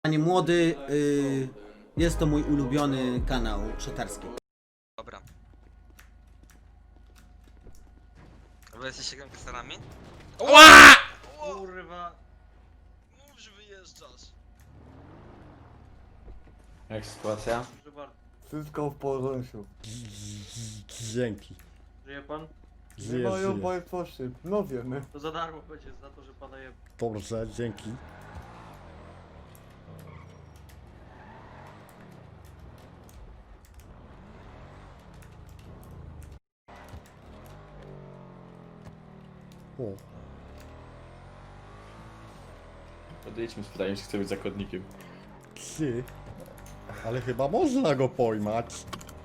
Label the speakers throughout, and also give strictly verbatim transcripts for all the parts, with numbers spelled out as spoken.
Speaker 1: Panie młody, y, jest to mój ulubiony kanał szatarski.
Speaker 2: Dobra. Wy jesteście gangsterami?
Speaker 1: Ła!
Speaker 2: Kurwa! Mów, że wyjeżdżasz.
Speaker 3: Jak sytuacja?
Speaker 2: Proszę bardzo.
Speaker 4: Wszystko w porządku.
Speaker 5: Dzięki.
Speaker 2: Żyje pan?
Speaker 4: Nie
Speaker 5: Żyję,
Speaker 4: mają
Speaker 5: żyję.
Speaker 4: państwo szyb. No wiemy.
Speaker 2: To za darmo będzie za to, że pana je...
Speaker 5: Dobrze, dzięki. O,
Speaker 3: Podejdźmy z pytaniem, czy chce być zakładnikiem.
Speaker 5: ty. Ale chyba można go pojmać.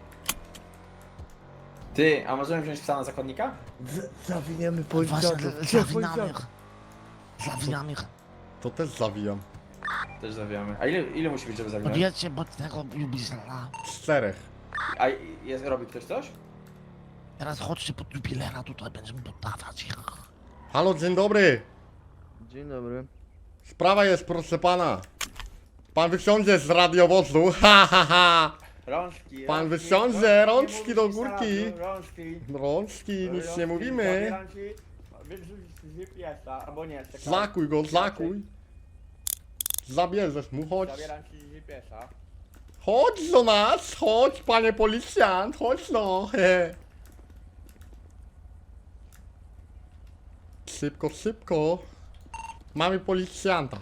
Speaker 3: Ty, a możemy wziąć psa na zakładnika?
Speaker 4: Z zawiniemy
Speaker 6: Właśnie,
Speaker 4: policjantów. Gdzie
Speaker 6: zawinamy ich.
Speaker 4: policjantów?
Speaker 6: Zawinamy ich.
Speaker 5: To też zawijam.
Speaker 3: Też zawijamy. A ile, ile musi być, żeby zawinąć?
Speaker 6: Podjedźcie pod tego jubilera.
Speaker 5: Czterech.
Speaker 3: A jest, robi ktoś coś?
Speaker 6: Teraz chodźcie pod jubilera, tutaj będziemy dodawać ich.
Speaker 5: Halo, dzień dobry.
Speaker 4: Dzień dobry.
Speaker 5: Sprawa jest, proszę pana. Pan wysiądzie z radiowozu. Ha, ha, ha.
Speaker 3: Rączki,
Speaker 5: Pan
Speaker 3: rączki,
Speaker 5: wysiądzie,
Speaker 3: rączki,
Speaker 5: rączki
Speaker 3: nie
Speaker 5: do
Speaker 3: mówisz
Speaker 5: górki.
Speaker 3: na radio, Rączki.
Speaker 5: Rączki, nic
Speaker 3: Rączki,
Speaker 5: nie mówimy.
Speaker 3: rączki, wyrzucić z G P S-a, albo nie, czekaj.
Speaker 5: Zakuj go, zakuj. Zabierzesz mu, chodź.
Speaker 3: Zabieram ci z G P S-a.
Speaker 5: Chodź do nas, chodź panie policjant, chodź no. He. Szybko, szybko. Mamy policjanta.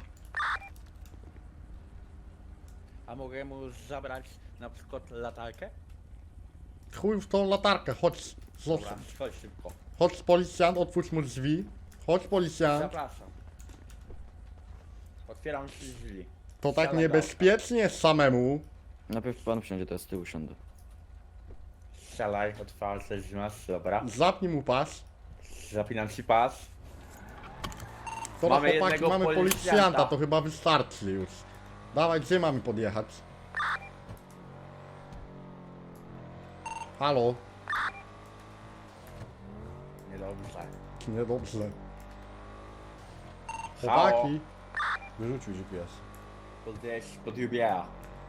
Speaker 7: A mogę mu zabrać na przykład latarkę?
Speaker 5: Chuj w tą latarkę, chodź.
Speaker 7: Dobra,
Speaker 5: Zostaw.
Speaker 7: chodź szybko.
Speaker 5: Chodź policjant, otwórz mu drzwi. Chodź policjant.
Speaker 7: Zapraszam. Otwieram ci drzwi.
Speaker 5: To tak
Speaker 7: Siadaj,
Speaker 5: niebezpiecznie samemu.
Speaker 8: Najpierw pan wsiądzie, to ja z tyłu siądę.
Speaker 7: Strzelaj, otwarte drzwi masz, dobra.
Speaker 5: Zapnij mu pas.
Speaker 7: Zapinam ci pas.
Speaker 5: Dobra
Speaker 7: Mamy
Speaker 5: chłopaki,
Speaker 7: jednego
Speaker 5: mamy
Speaker 7: policjanta.
Speaker 5: policjanta, to chyba wystarczy już. Dawaj, gdzie mamy podjechać? Halo?
Speaker 7: Niedobrze.
Speaker 5: Niedobrze.
Speaker 7: Halo?
Speaker 5: Chłopaki.
Speaker 4: Wyrzucił G P S.
Speaker 7: Podjeźdź pod jubiera.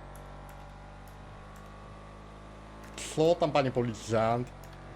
Speaker 5: Co tam, panie policjant?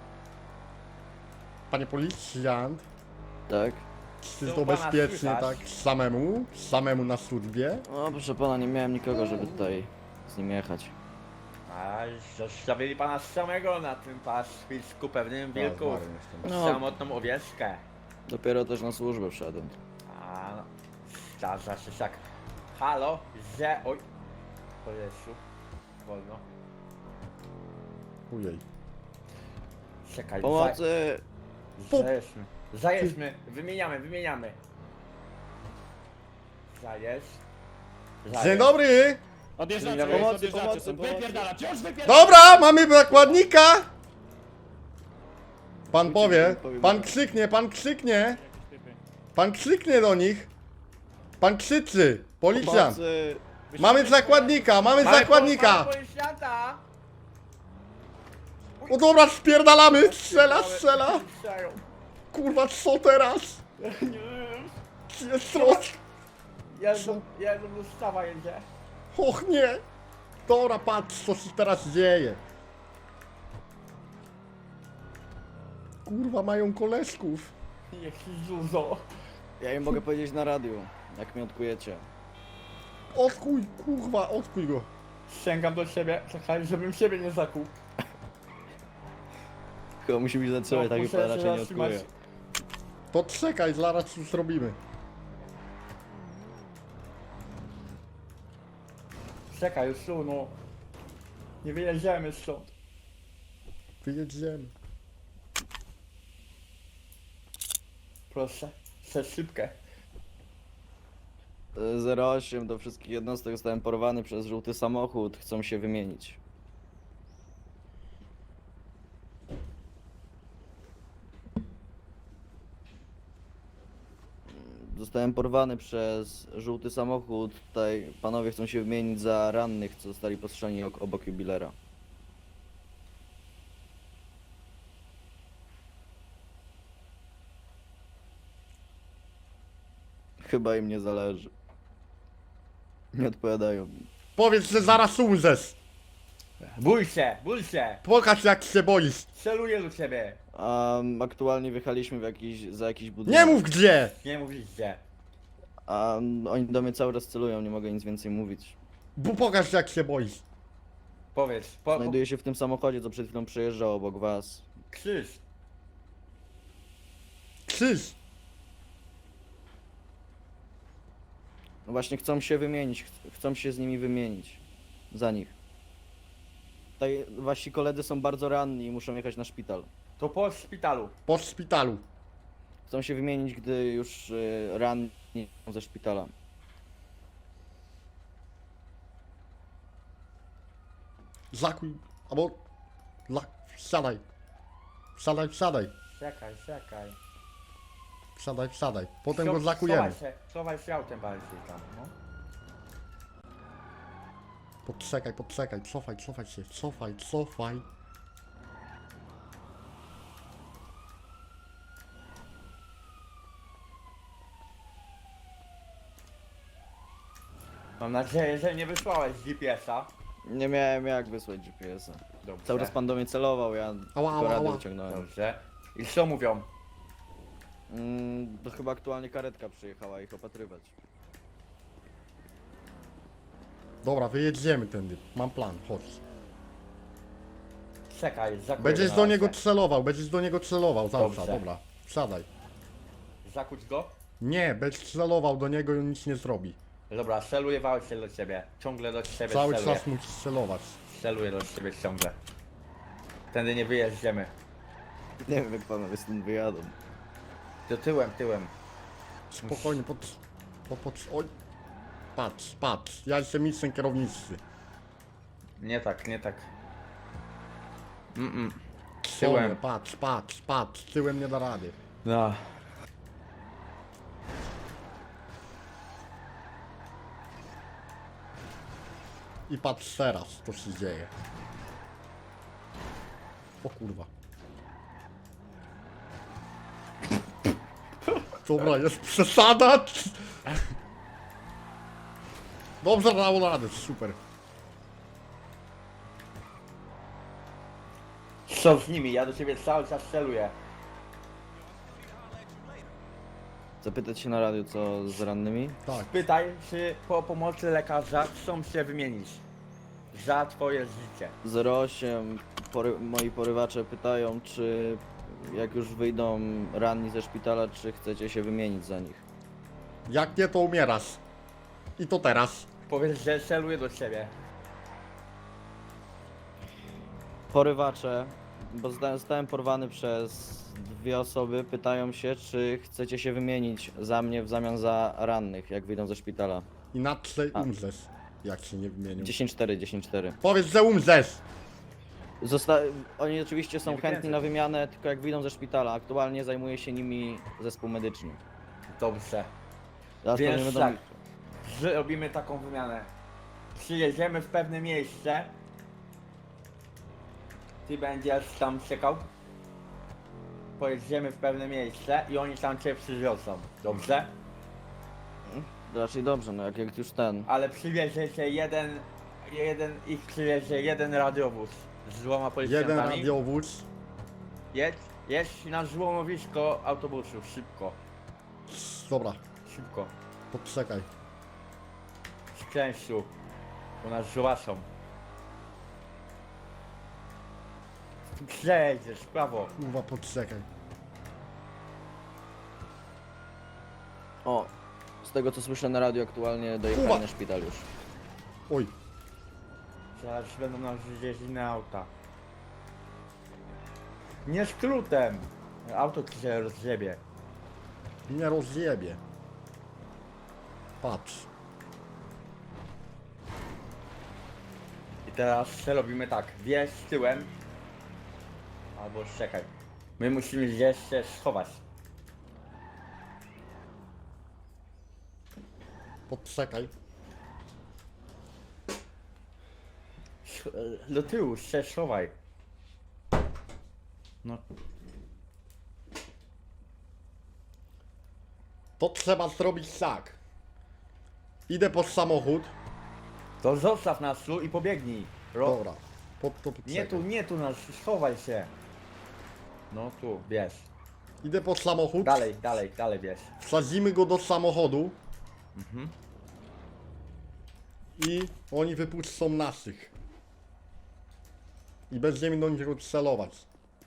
Speaker 5: Panie policjant?
Speaker 8: Tak?
Speaker 5: Czy
Speaker 7: Co
Speaker 5: to
Speaker 7: pana
Speaker 5: bezpiecznie
Speaker 7: słychać?
Speaker 5: tak samemu? Samemu na służbie?
Speaker 8: No proszę pana, nie miałem nikogo, żeby tutaj z nim jechać.
Speaker 7: A zostawili pana samego na tym pastwisku pewnym wilku.
Speaker 8: No.
Speaker 7: Samotną owieczkę.
Speaker 8: Dopiero też na służbę wszedłem.
Speaker 7: A no. Zdarza się tak. Halo, że... Oj. Po Jezu. Wolno.
Speaker 5: Ujej.
Speaker 7: Czekaj,
Speaker 8: Pomocy!
Speaker 5: Po-
Speaker 7: Zajedźmy. Zajedźmy. Wymieniamy, wymieniamy. Zajedź. Zajedź.
Speaker 5: Dzień dobry!
Speaker 7: Odjeżdżacie,
Speaker 8: Pomocy, pomocy, pomocy!
Speaker 5: Dobra, mamy zakładnika! Pan powie,
Speaker 8: powiem,
Speaker 5: pan
Speaker 8: że-
Speaker 5: krzyknie, pan krzyknie! Pan krzyknie do nich! Pan krzyczy! Policjant!
Speaker 8: Pomocy!
Speaker 5: Mamy zakładnika, mamy
Speaker 7: Mamy
Speaker 5: zakładnika!
Speaker 7: pana policjanta!
Speaker 5: O dobra, spierdalamy! Strzela, strzela!
Speaker 7: Strzelają.
Speaker 5: Kurwa, co teraz? Jest roz...
Speaker 7: Jezu, Jezu, dostawa jedzie.
Speaker 5: Och nie! Dobra, patrz, co się teraz dzieje. Kurwa, mają koleżków.
Speaker 7: Jaki zuzo.
Speaker 8: Ja im mogę powiedzieć na radiu, jak mnie odkujecie.
Speaker 5: Odkuj, kurwa, odkuj go.
Speaker 7: Sięgam do siebie, czekaj, żebym siebie nie zakuł.
Speaker 8: Chyba musi być zatrzymać,
Speaker 7: No,
Speaker 8: tak
Speaker 7: muszę
Speaker 8: pan
Speaker 7: się
Speaker 8: raczej nie
Speaker 7: zatrzymać.
Speaker 8: odkuje.
Speaker 5: To czekaj, zaraz już zrobimy.
Speaker 7: Czekaj, już tu, no. Nie wyjedziemy stąd.
Speaker 5: Wyjedziemy.
Speaker 7: Proszę, chcę szybkę.
Speaker 8: E, zero osiem do wszystkich jednostek, zostałem porwany przez żółty samochód, chcą się wymienić. Zostałem porwany przez żółty samochód, tutaj panowie chcą się wymienić za rannych, co zostali postrzeleni ok- obok jubilera. Chyba im nie zależy. Nie odpowiadają mi.
Speaker 5: Powiedz, że zaraz umrzesz.
Speaker 7: Bój się, bój się!
Speaker 5: Pokaż jak się boisz.
Speaker 7: Celuję do ciebie!
Speaker 8: Um, aktualnie wjechaliśmy w jakiś, za jakiś budynek.
Speaker 5: Nie mów gdzie!
Speaker 7: Nie mówisz gdzie.
Speaker 8: A oni do mnie cały czas celują, nie mogę nic więcej mówić.
Speaker 5: Bo pokaż jak się boisz.
Speaker 7: Powiedz, po, po,
Speaker 8: Znajduję się w tym samochodzie, co przed chwilą przejeżdżał obok was.
Speaker 7: krzyż.
Speaker 5: Krzyż.
Speaker 8: No właśnie chcą się wymienić, ch- chcą się z nimi wymienić. Za nich. Tutaj wasi koledzy są bardzo ranni i muszą jechać na szpital.
Speaker 7: To po szpitalu.
Speaker 5: Po szpitalu.
Speaker 8: Chcą się wymienić, gdy już y, ranni są ze szpitala.
Speaker 5: Zakuj. Albo... La... Wsiadaj. Wsiadaj, wsiadaj.
Speaker 7: Czekaj, czekaj.
Speaker 5: Wsiadaj, wsiadaj. Potem
Speaker 7: Scho-
Speaker 5: go zakujemy.
Speaker 7: Schowaj się, schowaj się autem bardziej tam, no.
Speaker 5: Podczekaj, podczekaj. Cofaj, cofaj się. Cofaj, cofaj.
Speaker 7: Mam nadzieję, że nie wysłałeś G P S-a.
Speaker 8: Nie miałem jak wysłać G P S-a.
Speaker 7: Dobrze.
Speaker 8: Cały czas pan do mnie celował, ja
Speaker 5: Ała,
Speaker 8: tylko
Speaker 5: ała,
Speaker 8: radio
Speaker 5: ała.
Speaker 8: wyciągnąłem.
Speaker 7: Dobrze. I co mówią?
Speaker 8: Mm, to chyba aktualnie karetka przyjechała ich opatrywać.
Speaker 5: Dobra, wyjedziemy tędy. Mam plan, chodź.
Speaker 7: Czekaj, zakuję
Speaker 5: Będziesz
Speaker 7: na
Speaker 5: do
Speaker 7: razie.
Speaker 5: niego celował, będziesz do niego celował. Zawsze,
Speaker 7: Dobrze.
Speaker 5: dobra. Wsiadaj.
Speaker 7: Zakuć go?
Speaker 5: Nie, będziesz celował do niego i on nic nie zrobi.
Speaker 7: Dobra, celuję się do ciebie. Ciągle do ciebie
Speaker 5: Cały
Speaker 7: celuję.
Speaker 5: czas musisz celować.
Speaker 7: Celuję do ciebie ciągle. Tędy nie wyjeździemy.
Speaker 8: Nie wiem jak panowie stąd wyjadą.
Speaker 7: To tyłem, tyłem.
Speaker 5: Spokojnie, pod... pod, pod oj. Patrz, patrz. Ja jestem mistrzem kierownicy.
Speaker 7: Nie tak, nie tak. Mm-mm.
Speaker 5: Tyłem.
Speaker 7: Tyłem.
Speaker 5: Patrz, patrz, patrz. Tyłem nie da rady.
Speaker 7: No.
Speaker 5: I patrz teraz, co się dzieje. O kurwa. Dobra, jest przesada. Dobrze, dał radę, super.
Speaker 7: Co z nimi? Ja do ciebie cały czas celuję.
Speaker 8: Zapytać się na radio co z rannymi?
Speaker 5: Tak.
Speaker 7: Pytaj, czy po pomocy lekarza chcą się wymienić. Za twoje życie.
Speaker 8: zero osiem, pory, moi porywacze pytają, czy jak już wyjdą ranni ze szpitala, czy chcecie się wymienić za nich.
Speaker 5: Jak nie, to umierasz. I to teraz.
Speaker 7: Powiedz, że celuję do ciebie.
Speaker 8: Porywacze, bo zda- zostałem porwany przez dwie osoby, pytają się, czy chcecie się wymienić za mnie w zamian za rannych, jak wyjdą ze szpitala.
Speaker 5: Inaczej
Speaker 8: A.
Speaker 5: umrzesz. Jak się nie wymienił.
Speaker 8: dziesięć cztery, dziesięć cztery.
Speaker 5: Powiedz, że umrzesz.
Speaker 8: Zosta- Oni oczywiście są
Speaker 7: Nie
Speaker 8: chętni
Speaker 7: wykręcaj.
Speaker 8: na wymianę, tylko jak wyjdą ze szpitala. Aktualnie zajmuje się nimi zespół medyczny.
Speaker 7: Dobrze.
Speaker 8: Zaraz
Speaker 7: Więc
Speaker 8: pewnie będą...
Speaker 7: tak. Zrobimy taką wymianę. Przyjedziemy w pewne miejsce. Ty będziesz tam czekał. Pojedziemy w pewne miejsce i oni tam cię przywiozą. Dobrze?
Speaker 8: Raczej dobrze, no jak, jak już ten.
Speaker 7: Ale przywiezie cię jeden, jeden, ich przywiezie jeden radiowóz z dwoma
Speaker 5: Jeden
Speaker 7: policjantami.
Speaker 5: radiowóz.
Speaker 7: Jedź, jedź na złomowisko autobusu, szybko,
Speaker 5: Dobra,
Speaker 7: szybko.
Speaker 5: poczekaj.
Speaker 7: Z częściu, bo nas zobaczą. Przejedziesz, w prawo.
Speaker 5: Kurwa, poczekaj.
Speaker 8: O, z tego co słyszę na radio aktualnie dojechali
Speaker 5: Kuba!
Speaker 8: na szpital już.
Speaker 5: Oj,
Speaker 7: Zaraz będą nas wieźć inne auta. Nie skrótem! Auto ci się rozjebie.
Speaker 5: nie rozjebie. Patrz.
Speaker 7: I teraz robimy tak, wjeźdź tyłem. Albo czekaj. My musimy gdzieś się schować.
Speaker 5: Poczekaj.
Speaker 7: Sch- Do tyłu się schowaj. No.
Speaker 5: To trzeba zrobić tak. Idę pod samochód.
Speaker 7: To zostaw nas tu i pobiegnij. Ro...
Speaker 5: Dobra. Pod to
Speaker 7: Nie tu, nie tu nas, schowaj się. No tu, bierz.
Speaker 5: Idę pod samochód.
Speaker 7: Dalej, dalej, dalej bierz.
Speaker 5: Wsadzimy go do samochodu.
Speaker 7: Mhm.
Speaker 5: I oni wypuszczą naszych. I będziemy do nich celować.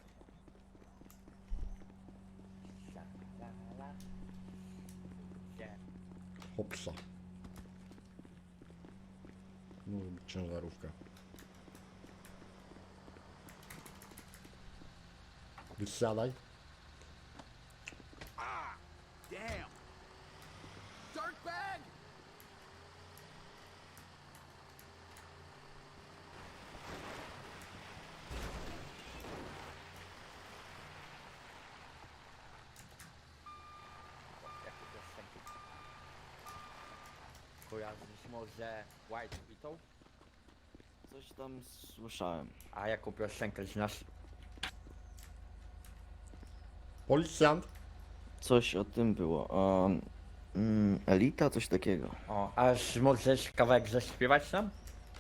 Speaker 5: Hopsa. No, ciężarówka. Wysiadaj.
Speaker 7: Kojarzysz może White Beetle?
Speaker 8: Coś tam słyszałem.
Speaker 7: A jaką piosenkę znasz?
Speaker 5: Policjant.
Speaker 8: Coś o tym było. Um, mm, elita, coś takiego.
Speaker 7: O, aż możesz kawałek zaśpiewać nam?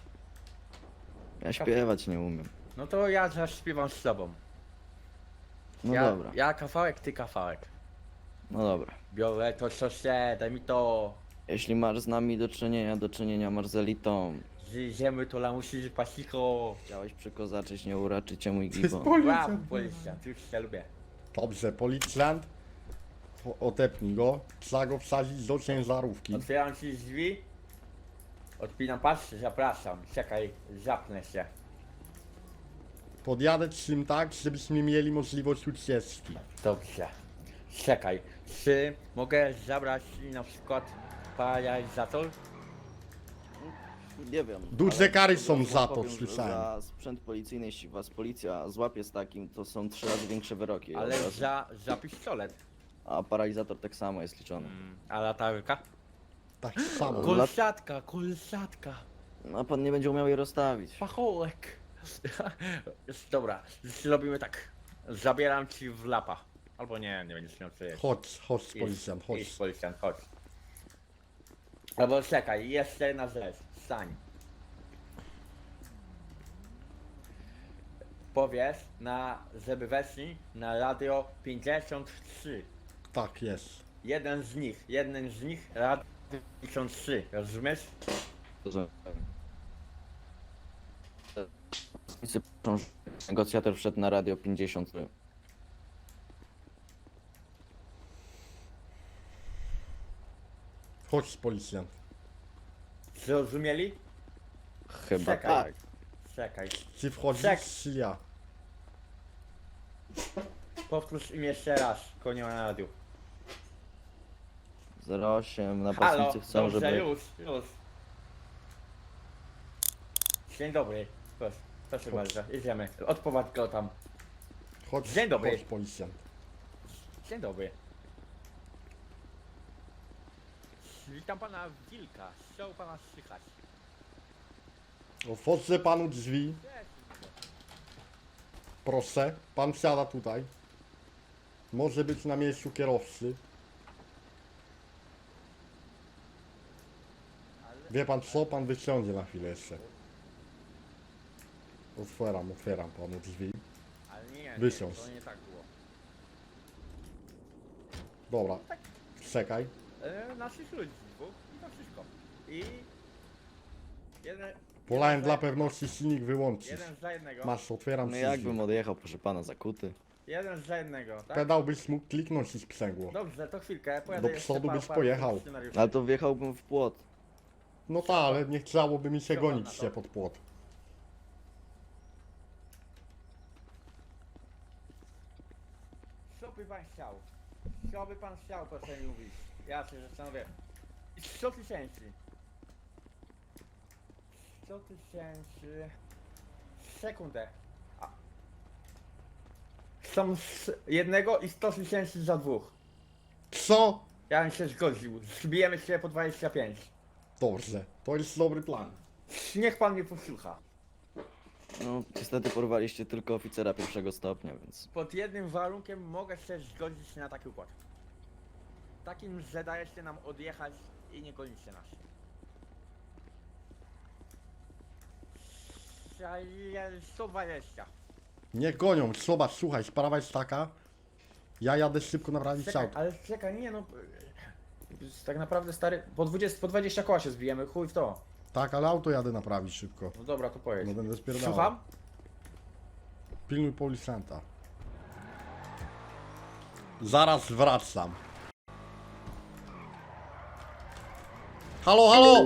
Speaker 8: Ja śpiewać nie umiem.
Speaker 7: No to ja zaśpiewam z tobą.
Speaker 8: No
Speaker 7: ja,
Speaker 8: dobra,
Speaker 7: Ja kawałek, ty kawałek.
Speaker 8: no dobra.
Speaker 7: Biorę to co się, daj mi to.
Speaker 8: Jeśli masz z nami do czynienia, do czynienia masz z elitą.
Speaker 7: Zjedziemy to lamusi z pasiko.
Speaker 8: Chciałeś przykozaczyć, nie uraczycie mój
Speaker 5: To jest
Speaker 8: gibo.
Speaker 7: Rap,
Speaker 5: policjant.
Speaker 7: policjant, już się lubię.
Speaker 5: Dobrze, policjant. O- Otepnij go. Trzeba go wsadzić do ciężarówki.
Speaker 7: Otwieram ci drzwi. Odpinam pas, zapraszam. Czekaj, zapnę się.
Speaker 5: Podjadę czym tak, żebyśmy mieli możliwość ucieczki.
Speaker 7: Dobrze. Czekaj, czy mogę zabrać na przykład paralizator?
Speaker 8: Nie wiem.
Speaker 5: Duże
Speaker 8: ale
Speaker 5: kary są
Speaker 8: wam
Speaker 5: za to,
Speaker 8: powiem, że
Speaker 5: słyszałem.
Speaker 8: Za sprzęt policyjny, jeśli was policja złapie z takim, to są trzy razy większe wyroki.
Speaker 7: Ale
Speaker 8: od razu.
Speaker 7: za, za pistolet.
Speaker 8: A paralizator tak samo jest liczony.
Speaker 7: A latarka?
Speaker 5: Tak samo.
Speaker 8: Kul-
Speaker 7: Kolsatka, kolsatka.
Speaker 8: No pan nie będzie umiał jej rozstawić.
Speaker 7: Pachołek. Dobra, zrobimy tak. Zabieram ci w lapa. Albo nie, nie będziesz miał co jeść.
Speaker 5: Chodź, chodź policjant,
Speaker 7: Idź,
Speaker 5: chodź.
Speaker 7: policjant, chodź. Albo czekaj, jeszcze jedna rzecz. Stań. Powiesz na, żeby weszli na radio pięćdziesiąt trzy.
Speaker 5: Tak jest.
Speaker 7: Jeden z nich, jeden z nich radio pięćdziesiąt trzy, rozumiesz?
Speaker 8: Że... Negocjator wszedł na radio pięćdziesiąt.
Speaker 5: Chodź policjant.
Speaker 7: Zrozumieli?
Speaker 8: Chyba
Speaker 7: Czekaj.
Speaker 8: tak.
Speaker 7: Czekaj.
Speaker 5: Czy wchodzisz,
Speaker 7: Czek.
Speaker 5: czy ja?
Speaker 7: Powtórz im jeszcze raz, konio na radiu.
Speaker 8: zero osiem
Speaker 7: Halo,
Speaker 8: napastnicy chcą,
Speaker 7: dobrze,
Speaker 8: żeby...
Speaker 7: już, już. Dzień dobry, proszę, proszę bardzo, jedziemy. Odprowadź go tam.
Speaker 5: Chodź,
Speaker 7: Dzień dobry.
Speaker 5: chodź policjant.
Speaker 7: Dzień dobry. Witam pana Wilka, chciał pana słychać.
Speaker 5: Otworzę panu drzwi. Proszę, pan siada tutaj. Może być na miejscu kierowcy. Wie pan co? Pan wysiądzie na chwilę jeszcze. Otwieram, otwieram panu drzwi.
Speaker 7: Ale nie, nie,
Speaker 5: Wysiądź.
Speaker 7: to nie tak było.
Speaker 5: Dobra, czekaj.
Speaker 7: E, naszych ludzi dwóch i to wszystko. I... Jeden...
Speaker 5: Wolałem
Speaker 7: jeden
Speaker 5: dla
Speaker 7: za-
Speaker 5: pewności silnik wyłączyć.
Speaker 7: Jeden za jednego.
Speaker 5: Masz, otwieram
Speaker 8: No
Speaker 5: ci
Speaker 8: jakbym
Speaker 5: drzwi.
Speaker 8: odjechał, proszę pana, zakuty.
Speaker 7: Jeden za jednego, tak?
Speaker 5: Pedał byś mógł kliknąć i sprzęgło.
Speaker 7: Dobrze, to chwilkę, pojadę
Speaker 5: Do
Speaker 7: jeszcze
Speaker 5: przodu
Speaker 7: paru-
Speaker 5: byś
Speaker 7: paru
Speaker 5: pojechał.
Speaker 7: scenariuszy.
Speaker 8: Ale to wjechałbym w płot.
Speaker 5: No tak, ale nie chciałoby mi się
Speaker 7: Dobra,
Speaker 5: gonić
Speaker 7: na to.
Speaker 5: się pod płot.
Speaker 7: Co by pan chciał? Co by pan chciał, proszę mi mówić? Ja się zastanowię. sto tysięcy. sto tysięcy. Sekundę. A. Są z jednego i sto tysięcy za dwóch.
Speaker 5: Co?
Speaker 7: Ja bym się zgodził. Zbijemy się po dwadzieścia pięć.
Speaker 5: Dobrze, to jest dobry plan.
Speaker 7: Niech pan mnie posłucha.
Speaker 8: No, niestety porwaliście tylko oficera pierwszego stopnia, więc...
Speaker 7: Pod jednym warunkiem mogę się zgodzić na taki układ. Takim, że dajecie nam odjechać i nie gonicie nas. dwadzieścia i sto dwadzieścia.
Speaker 5: Niech gonią, zobacz, słuchaj, sprawa jest taka. Ja jadę szybko naprawić
Speaker 9: Czekaj,
Speaker 5: auto.
Speaker 9: ale czekaj, nie no. Tak naprawdę stary, po dwadzieścia, po dwadzieścia koła się zbijemy, chuj w to.
Speaker 5: Tak, ale auto jadę naprawić szybko.
Speaker 9: No dobra, to pojedź.
Speaker 5: No będę spierdalał.
Speaker 9: Słucham?
Speaker 5: Pilnuj policjanta. Zaraz wracam. Halo, halo!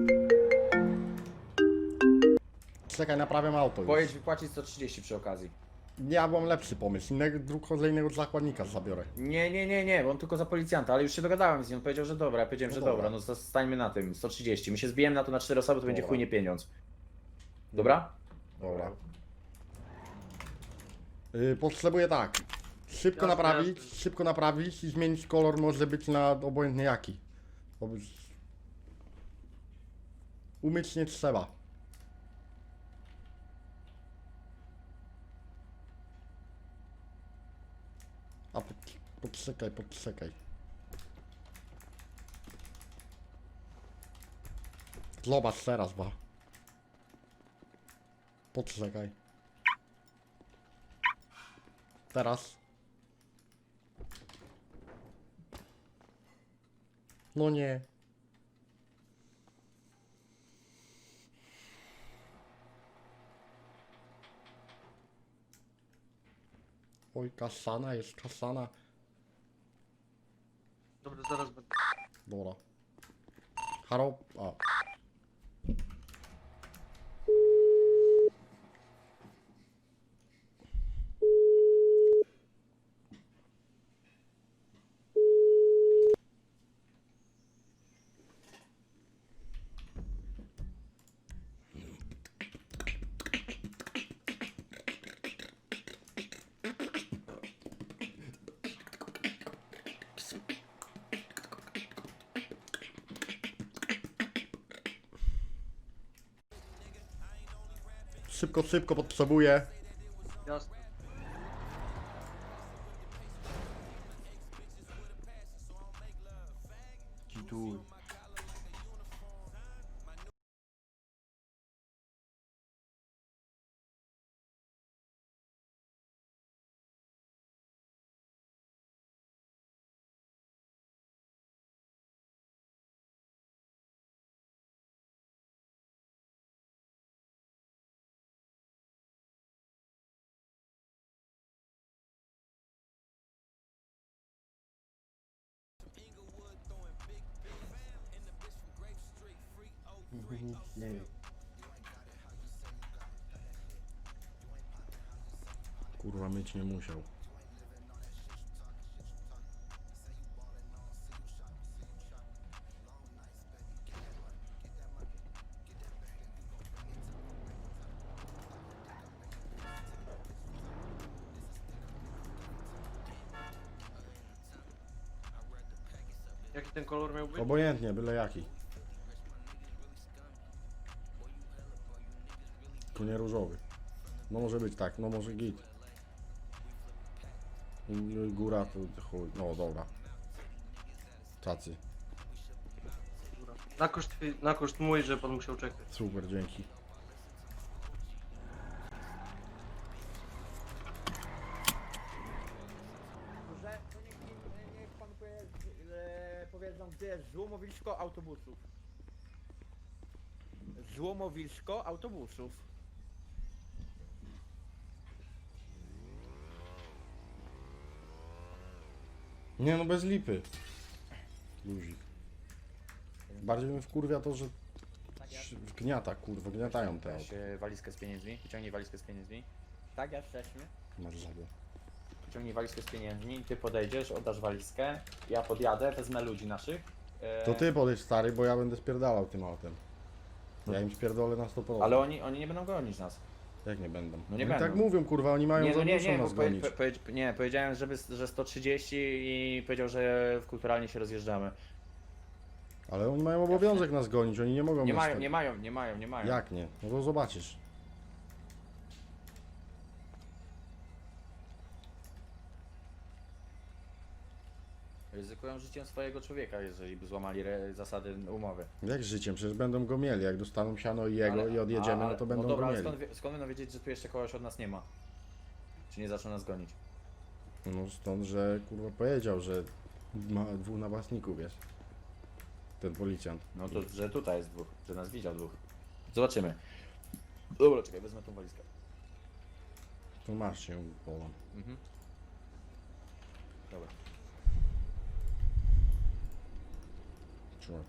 Speaker 5: Czekaj, naprawiam auto już.
Speaker 9: Pojedź wypłacić sto trzydzieści przy okazji.
Speaker 5: Ja mam lepszy pomysł, innego dru- kolejnego zakładnika zabiorę.
Speaker 9: Nie, nie, nie, nie, bo on tylko za policjanta, ale już się dogadałem z nim, on powiedział, że dobra, ja powiedziałem,
Speaker 5: No
Speaker 9: że
Speaker 5: dobra.
Speaker 9: dobra, no zostańmy na tym, sto trzydzieści. My się zbijemy na to na cztery osoby, to będzie
Speaker 5: Dobra.
Speaker 9: chuj nie pieniądz. Dobra?
Speaker 5: Dobra. Yy, potrzebuję tak. Szybko
Speaker 2: Jasne,
Speaker 5: naprawić,
Speaker 2: jasne.
Speaker 5: szybko naprawić i zmienić kolor może być na obojętny jaki. Bo by- Umyć nie trzeba. A pod, podczekaj, podczekaj. Zobacz teraz, ba. Podczekaj. Teraz. No nie. Oj, kasana jest, kasana.
Speaker 2: Dobra, zaraz będę.
Speaker 5: Dobra. Haro... A. Szybko, szybko potrzebuję.
Speaker 2: Jasne.
Speaker 4: Kituj.
Speaker 5: Kurwa, myć nie musiał.
Speaker 2: Jaki ten kolor miał być?
Speaker 5: Obojętnie, byle jaki. Tu nie różowy. No może być tak, no może git. I góra to chuj, no dobra. Tacy,
Speaker 2: Dobra. Na koszt, na koszt mój, że pan musiał czekać.
Speaker 5: super, dzięki.
Speaker 3: Że to niech, niech, niech pan powie, e, powiedzą, gdzie jest złomowisko autobusów. Złomowisko autobusów.
Speaker 5: Nie no, bez lipy. Luzik. Bardziej mnie wkurwia to, że wgniata, kurwa, gniatają te auto.
Speaker 9: Weź e, walizkę z pieniędzmi, wyciągnij walizkę z pieniędzmi.
Speaker 3: Tak jesteśmy.
Speaker 5: Masz żabę.
Speaker 9: Wyciągnij walizkę z pieniędzmi, ty podejdziesz, oddasz walizkę, ja podjadę, wezmę ludzi naszych. E,
Speaker 5: To ty podejdź, stary, bo ja będę spierdalał tym autem. Ja im spierdolę na sto procent.
Speaker 9: Ale oni, oni nie będą gonić nas.
Speaker 5: Jak nie będą?
Speaker 9: No nie
Speaker 5: Oni
Speaker 9: będą.
Speaker 5: tak mówią, kurwa, oni mają
Speaker 9: Nie, no nie,
Speaker 5: za
Speaker 9: nie,
Speaker 5: nas
Speaker 9: bo powie,
Speaker 5: gonić.
Speaker 9: po, powiedz- nie, powiedziałem, żeby, że sto trzydzieści i powiedział, że w kulturalnie się rozjeżdżamy.
Speaker 5: Ale oni mają obowiązek nas gonić, oni nie mogą
Speaker 9: Nie
Speaker 5: nas
Speaker 9: mają,
Speaker 5: tak-
Speaker 9: nie mają, nie mają, nie mają.
Speaker 5: Jak nie? No to zobaczysz.
Speaker 9: ryzykują życiem swojego człowieka, jeżeli by złamali re- zasady umowy.
Speaker 5: Jak życiem? Przecież będą go mieli. Jak dostaną siano i jego
Speaker 9: Ale-
Speaker 5: i odjedziemy,
Speaker 9: a-
Speaker 5: no to będą
Speaker 9: no dobra,
Speaker 5: go
Speaker 9: ale
Speaker 5: mieli.
Speaker 9: skąd, wie- skąd będą wiedzieć, że tu jeszcze kogoś od nas nie ma? Czy nie zaczną nas gonić?
Speaker 5: No stąd, że kurwa powiedział, że ma dwóch napastników jest. Ten policjant.
Speaker 9: No to, że tutaj jest dwóch, że nas widział dwóch. Zobaczymy. Dobra, czekaj, wezmę tą walizkę.
Speaker 5: To masz się połam.
Speaker 9: Mhm. Dobra.
Speaker 5: Trzymaj.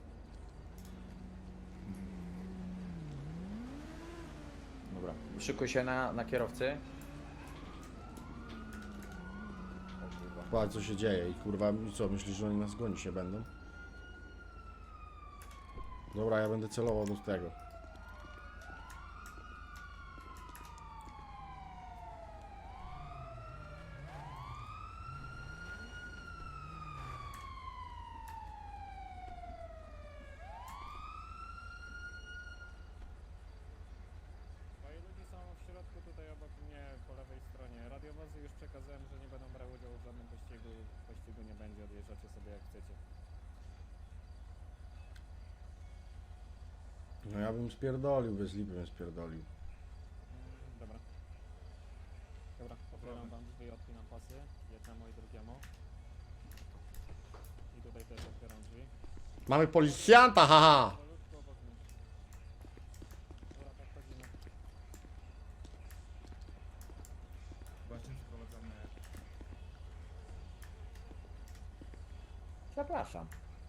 Speaker 9: Dobra. Szykuj się na, na kierowcy.
Speaker 5: Patrz co się dzieje i kurwa i co, myślisz, że oni nas gonić nie będą? Dobra, ja będę celował do tego.
Speaker 10: Moi ludzie są w środku, tutaj obok mnie, po lewej stronie. Radiowozy już przekazałem, że nie będą brały udziału w żadnym pościgu. Pościgu nie będzie, odjeżdżacie sobie jak chcecie.
Speaker 5: No ja bym spierdolił, bez lipy bym spierdolił.
Speaker 10: Mm, dobra. Dobra, otwieram wam drzwi, odpinam pasy. Jednemu i drugiemu. I tutaj też otwieram drzwi.
Speaker 5: Mamy policjanta, haha!
Speaker 10: Powolutku obok mnie. Dobra, tak chodzimy.
Speaker 9: Zapraszam.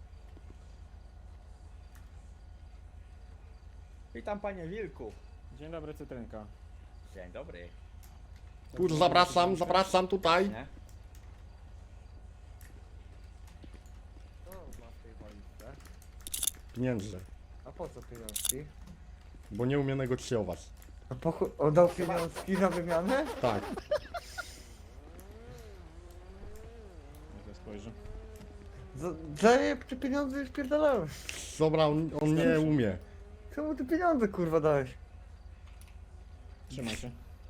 Speaker 9: Witam panie Wilku.
Speaker 10: Dzień dobry, Cytrynka.
Speaker 9: Dzień dobry.
Speaker 5: Kurwa, zapraszam, zapraszam tutaj.
Speaker 9: Nie?
Speaker 4: Co masz w tej walizce?
Speaker 5: Pieniądze,
Speaker 4: A po co pieniążki?
Speaker 5: bo nie umiem negocjować.
Speaker 4: A po chu... oddał pieniążki na wymianę?
Speaker 5: Tak.
Speaker 10: Niech ja spojrzę.
Speaker 4: Za, za te pieniądze już pierdolałem.
Speaker 5: Dobra, on, on nie umie.
Speaker 4: Czemu ty pieniądze kurwa dałeś?
Speaker 10: Trzymaj się.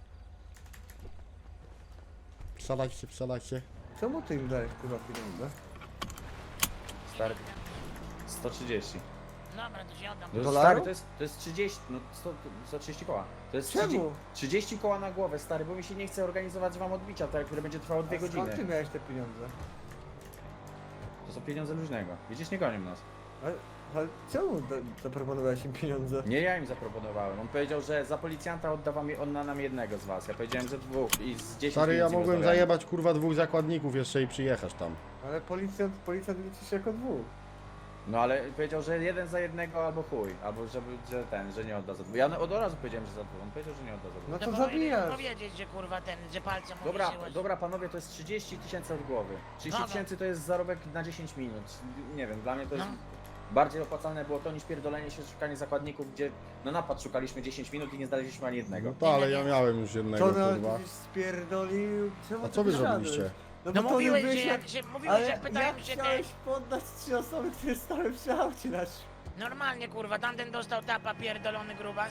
Speaker 5: Wsadać się, wsadać się.
Speaker 4: Czemu ty im dajesz kurwa pieniądze?
Speaker 9: Stary. sto trzydzieści.
Speaker 6: Dobra, to się oddam.
Speaker 9: No,
Speaker 4: Dolarów?
Speaker 9: stary, to jest, to jest trzydzieści, no sto, sto trzydzieści koła. To jest trzydzieści,
Speaker 4: Czemu?
Speaker 9: trzydzieści koła na głowę, stary, bo mi się nie chce organizować wam odbicia, tak, które będzie trwało dwie
Speaker 4: A skąd
Speaker 9: godziny.
Speaker 4: ty miałeś te pieniądze?
Speaker 9: To są pieniądze luźnego. Widzisz, nie gonią nas.
Speaker 4: Ale, ale czemu da, zaproponowałeś im pieniądze?
Speaker 9: Nie ja im zaproponowałem. On powiedział, że za policjanta odda wam on na nam jednego z was. Ja powiedziałem, że dwóch i z dziesięć
Speaker 5: Stary, ja
Speaker 9: minut z nim
Speaker 5: mogłem
Speaker 9: rozmawiałem.
Speaker 5: zajebać kurwa dwóch zakładników jeszcze i przyjechać tam.
Speaker 4: Ale policjant, policjant liczy się jako dwóch.
Speaker 9: No ale powiedział, że jeden za jednego albo chuj. Albo żeby, że ten, że nie odda za dwóch. Ja od razu powiedziałem, że za dwóch. On powiedział, że nie odda za dwóch.
Speaker 4: No
Speaker 6: To
Speaker 4: to
Speaker 6: powinieneś
Speaker 4: zabijasz.
Speaker 6: powiedzieć, że kurwa ten, że palcem
Speaker 9: Dobra,
Speaker 6: uderzyłeś.
Speaker 9: dobra panowie, to jest trzydzieści tysięcy od głowy. trzydzieści
Speaker 6: Dobra.
Speaker 9: tysięcy to jest zarobek na dziesięć minut. Nie wiem, dla mnie to jest...
Speaker 6: No.
Speaker 9: Bardziej opłacalne było to niż pierdolenie się, szukanie zakładników, gdzie na napad szukaliśmy dziesięć minut i nie znaleźliśmy ani jednego.
Speaker 5: No to, ale ja miałem już jednego
Speaker 4: To nawet
Speaker 5: kurwa.
Speaker 4: gdzieś spierdolił. Czemu
Speaker 5: A
Speaker 4: ty
Speaker 5: co wy
Speaker 4: wysiadłeś?
Speaker 5: zrobiliście?
Speaker 4: No,
Speaker 6: No
Speaker 4: bo to
Speaker 6: mówiłeś,
Speaker 4: byłeś
Speaker 6: że
Speaker 4: jak-
Speaker 6: jak się, mówiłeś,
Speaker 4: Ale
Speaker 6: jak pytałem
Speaker 4: jak
Speaker 6: się te...
Speaker 4: chciałeś poddać trzy osoby, które stały przy aucie nasz.
Speaker 6: Normalnie kurwa, tamten dostał tapa pierdolony grubas.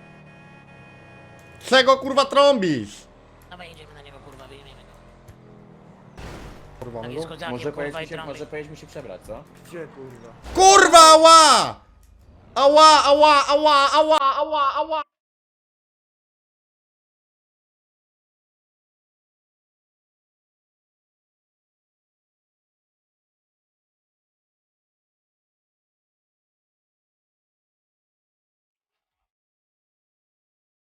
Speaker 5: Czego kurwa trąbisz?
Speaker 6: Dobra, idziemy na niego kurwa, wyjmiemy go.
Speaker 5: Kurwa,
Speaker 6: Tak
Speaker 5: no
Speaker 6: jest
Speaker 5: go.
Speaker 6: kozakiem,
Speaker 9: Może
Speaker 6: kurwa
Speaker 9: powiedzmy
Speaker 6: i
Speaker 9: się,
Speaker 6: trąby.
Speaker 9: może powiedzmy się przebrać, co?
Speaker 4: Gdzie kurwa?
Speaker 5: Kurwa, ała! Ała, ała, ała, ała, ała, ała!